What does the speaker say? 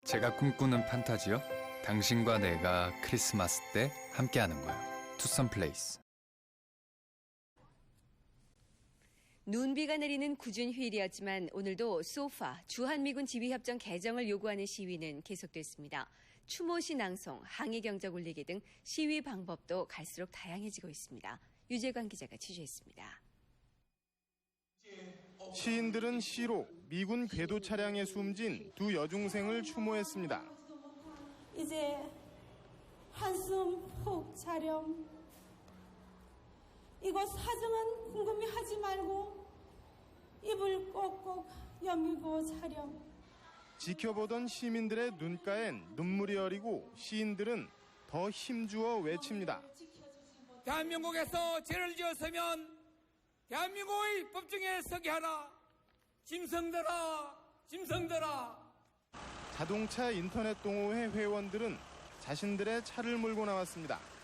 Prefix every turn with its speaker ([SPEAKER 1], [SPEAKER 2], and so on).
[SPEAKER 1] 제가 꿈꾸는 판타지요? 당신과 내가 크리스마스 때 함께하는 거야. 투썸 플레이스.
[SPEAKER 2] 눈비가 내리는 궂은 휴일이었지만 오늘도 소파 주한미군 지휘협정 개정을 요구하는 시위는 계속됐습니다. 추모시 낭송, 항의 경적 울리기 등 시위 방법도 갈수록 다양해지고 있습니다. 유재관 기자가 취재했습니다.
[SPEAKER 3] 시인들은 시로 미군 궤도 차량에 숨진 두 여중생을 추모했습니다.
[SPEAKER 4] 이제 한숨 푹 자렴. 이곳 사정은 궁금해하지 말고 입을 꼭꼭 여미고 자렴.
[SPEAKER 3] 지켜보던 시민들의 눈가엔 눈물이 어리고 시인들은 더 힘주어 외칩니다.
[SPEAKER 5] 대한민국에서 죄를 지었으면 대한민국의 법정에 서게 하라. 짐승들아, 짐승들아.
[SPEAKER 3] 자동차 인터넷 동호회 회원들은 자신들의 차를 몰고 나왔습니다.